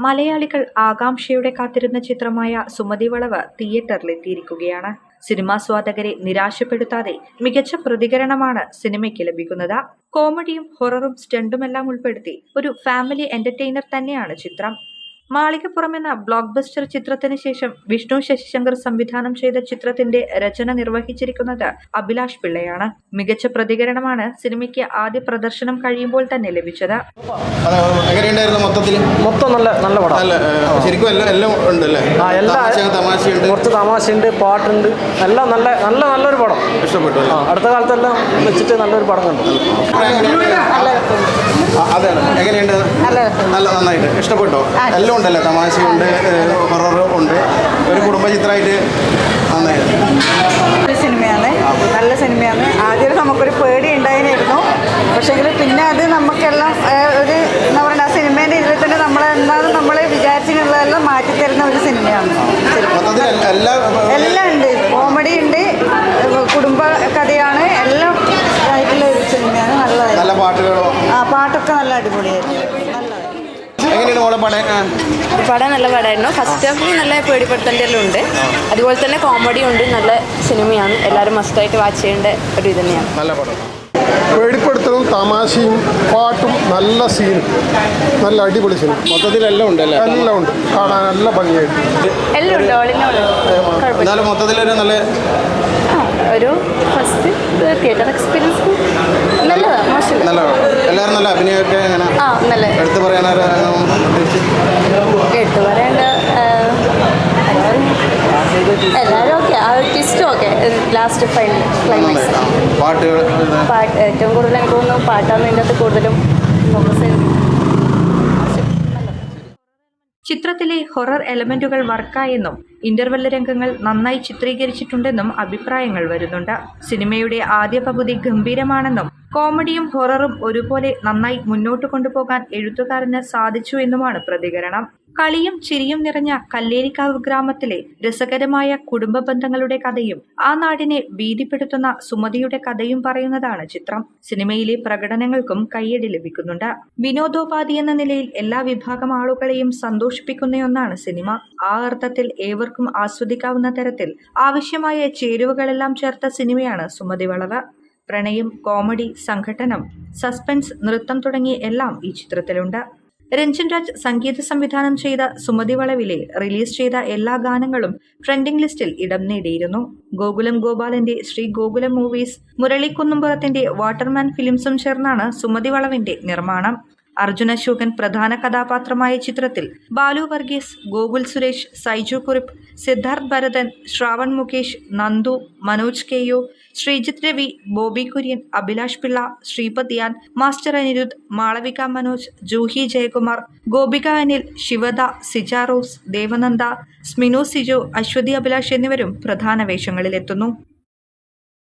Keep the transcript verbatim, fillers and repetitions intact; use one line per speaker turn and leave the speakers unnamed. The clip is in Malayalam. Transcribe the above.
മലയാളികൾ ആകാംക്ഷയോടെ കാത്തിരുന്ന ചിത്രമായ സുമതി വളവ് തിയേറ്ററിലെത്തിയിരിക്കുകയാണ്. സിനിമാസ്വാദകരെ നിരാശപ്പെടുത്താതെ മികച്ച പ്രതികരണമാണ് സിനിമയ്ക്ക് ലഭിക്കുന്നത്. കോമഡിയും ഹൊററും സ്റ്റണ്ടുമെല്ലാം ഉൾപ്പെടുത്തി ഒരു ഫാമിലി എന്റർടൈനർ തന്നെയാണ് ചിത്രം. മാളികപ്പുറം എന്ന ബ്ലോക്ക് ബസ്റ്റർ ചിത്രത്തിന് ശേഷം വിഷ്ണു ശശിശങ്കർ സംവിധാനം ചെയ്ത ചിത്രത്തിന്റെ രചന നിർവഹിച്ചിരിക്കുന്നത് അഭിലാഷ് പിള്ളയാണ്. മികച്ച പ്രതികരണമാണ് സിനിമയ്ക്ക് ആദ്യ പ്രദർശനം കഴിയുമ്പോൾ തന്നെ ലഭിച്ചത്.
മൊത്തം നല്ല നല്ല പടം. കുറച്ച് തമാശയുണ്ട്, പാട്ടുണ്ട്, എല്ലാം നല്ല നല്ല നല്ലൊരു പടം. ഇഷ്ടപ്പെട്ടു. അടുത്ത കാലത്തെല്ലാം വെച്ചിട്ട് നല്ലൊരു പടം കണ്ടു.
എങ്ങനെയുണ്ട്? നല്ല നന്നായിട്ട് ഇഷ്ടപ്പെട്ടോ? എല്ലാം ഉണ്ടല്ലോ, തമാശയുണ്ട്, ഹൊററും ഉണ്ട്, ഒരു കുടുംബ ചിത്രമായിട്ട് നന്നായിട്ട്
സിനിമയാണ്. നല്ല സിനിമയാണ്. ആദ്യം നമുക്കൊരു പേടി ഉണ്ടായിരുന്നു, പക്ഷേങ്കിൽ പിന്നെ അത് നമുക്കെല്ലാം ഒരു എന്താ പറയുക, ആ സിനിമേൻ്റെ ഇതിൽ തന്നെ നമ്മൾ എന്താണെന്ന് നമ്മൾ വിചാരിച്ചിട്ടുള്ളതെല്ലാം മാറ്റിത്തരുന്ന ഒരു സിനിമയാണ്. എല്ലാം ഉണ്ട്, കോമഡി ഉണ്ട്, കുടുംബ കഥയാണ്, എല്ലാം ആയിട്ടുള്ള ഒരു സിനിമയാണ്. നല്ലതായിരുന്നു.
നല്ല പാട്ടുകളോ?
ആ പാട്ടൊക്കെ നല്ല അടിപൊളിയായിരുന്നു.
പടം നല്ല പടമായിരുന്നു. ഫസ്റ്റ് ഹാഫിൽ നല്ല പേടിപ്പെടുത്തേണ്ടതെല്ലാം ഉണ്ട്, അതുപോലെ തന്നെ കോമഡി ഉണ്ട്. നല്ല സിനിമയാണ്, എല്ലാവരും മസ്റ്റായിട്ട് വാച്ച് ചെയ്യേണ്ട ഒരു ഇത് തന്നെയാണ്.
നല്ല പടം.
പേടിപ്പെടുത്തലും തമാശയും പാട്ടും നല്ല സീനും, നല്ല അടിപൊളി സിനിമ.
മൊത്തത്തിൽ എല്ലാം ഉണ്ടല്ലേ?
എല്ലാം ഉണ്ട്, കാണാൻ നല്ല ഭംഗിയായിട്ട്
എല്ലാം ഉണ്ട്. ഓളിനോട്
മൊത്തത്തിലൊരു നല്ല
ഒരു ഫസ്റ്റ് തിയേറ്റർ എക്സ്പീരിയൻസ് നല്ലതാണ്, മോശം
നല്ല. എല്ലാവരും നല്ല അഭിനയമൊക്കെ എങ്ങനെ?
ആ നല്ല.
എടുത്ത് പറയാനോ
എടുത്തു പറയേണ്ട എല്ലാവരും ഓക്കെ. ആ ഒരു ട്വിസ്റ്റും ഓക്കെ, ലാസ്റ്റ് ഫൈനൽ ക്ലൈമാക്സ്.
പാട്ടുകൾ
പാട്ട് ഏറ്റവും കൂടുതൽ എനിക്ക് തോന്നുന്നു പാട്ടാണ് ഇതിൻ്റെ അകത്ത് കൂടുതലും ഫോക്കസ് ചെയ്ത്.
ചിത്രത്തിലെ ഹൊറർ എലമെന്റുകൾ വർക്കായെന്നും ഇന്റർവെൽ രംഗങ്ങൾ നന്നായി ചിത്രീകരിച്ചിട്ടുണ്ടെന്നും അഭിപ്രായങ്ങൾ വരുന്നുണ്ട്. സിനിമയുടെ ആദ്യ പകുതി ഗംഭീരമാണെന്നും കോമഡിയും ഹൊററും ഒരുപോലെ നന്നായി മുന്നോട്ട് കൊണ്ടുപോകാൻ എഴുത്തുകാരന് സാധിച്ചു എന്നുമാണ് പ്രതികരണം. കളിയും ചിരിയും നിറഞ്ഞ കല്ലേരിക്കാവ് ഗ്രാമത്തിലെ രസകരമായ കുടുംബ ബന്ധങ്ങളുടെ കഥയും ആ നാടിനെ ഭീതിപ്പെടുത്തുന്ന സുമതിയുടെ കഥയും പറയുന്നതാണ് ചിത്രം. സിനിമയിലെ പ്രകടനങ്ങൾക്കും കയ്യടി ലഭിക്കുന്നുണ്ട്. വിനോദോപാധി എന്ന നിലയിൽ എല്ലാ വിഭാഗം ആളുകളെയും സന്തോഷിപ്പിക്കുന്ന ഒന്നാണ് സിനിമ. ആ അർത്ഥത്തിൽ ഏവർക്കും ആസ്വദിക്കാവുന്ന തരത്തിൽ ആവശ്യമായ ചേരുവകളെല്ലാം ചേർത്ത സിനിമയാണ് സുമതി വളവ്. പ്രണയം, കോമഡി, സംഘട്ടനം, സസ്പെൻസ്, നൃത്തം തുടങ്ങി എല്ലാം ഈ ചിത്രത്തിലുണ്ട്. രഞ്ജൻ രാജ് സംഗീത സംവിധാനം ചെയ്ത സുമതി വളവിലെ റിലീസ് ചെയ്ത എല്ലാ ഗാനങ്ങളും ട്രെൻഡിംഗ് ലിസ്റ്റിൽ ഇടം നേടിയിരുന്നു. ഗോകുലം ഗോപാലന്റെ ശ്രീ ഗോകുലം മൂവീസ്, മുരളി കുന്നുംപുറത്തിന്റെ വാട്ടർമാൻ ഫിലിംസും ചേർന്നാണ് സുമതി വളവിന്റെ നിർമ്മാണം. അർജുന അശോകൻ പ്രധാന കഥാപാത്രമായ ചിത്രത്തിൽ ബാലു വർഗീസ്, ഗോകുൽ സുരേഷ്, സൈജു കുറിപ്പ്, സിദ്ധാർത്ഥ് ഭരതൻ, ശ്രാവൺ മുകേഷ്, നന്ദു, മനോജ് കെയോ, ശ്രീജിത്ത് രവി, ബോബി കുര്യൻ, അഭിലാഷ് പിള്ള, ശ്രീപദ് യാൻ, മാസ്റ്റർ അനിരുദ്ധ്, മാളവിക മനോജ്, ജൂഹി ജയകുമാർ, ഗോപിക അനിൽ, ശിവദ, സിജ റോസ്, ദേവനന്ദ, സ്മിനു സിജു, അശ്വതി അഭിലാഷ് എന്നിവരും പ്രധാന വേഷങ്ങളിലെത്തുന്നു.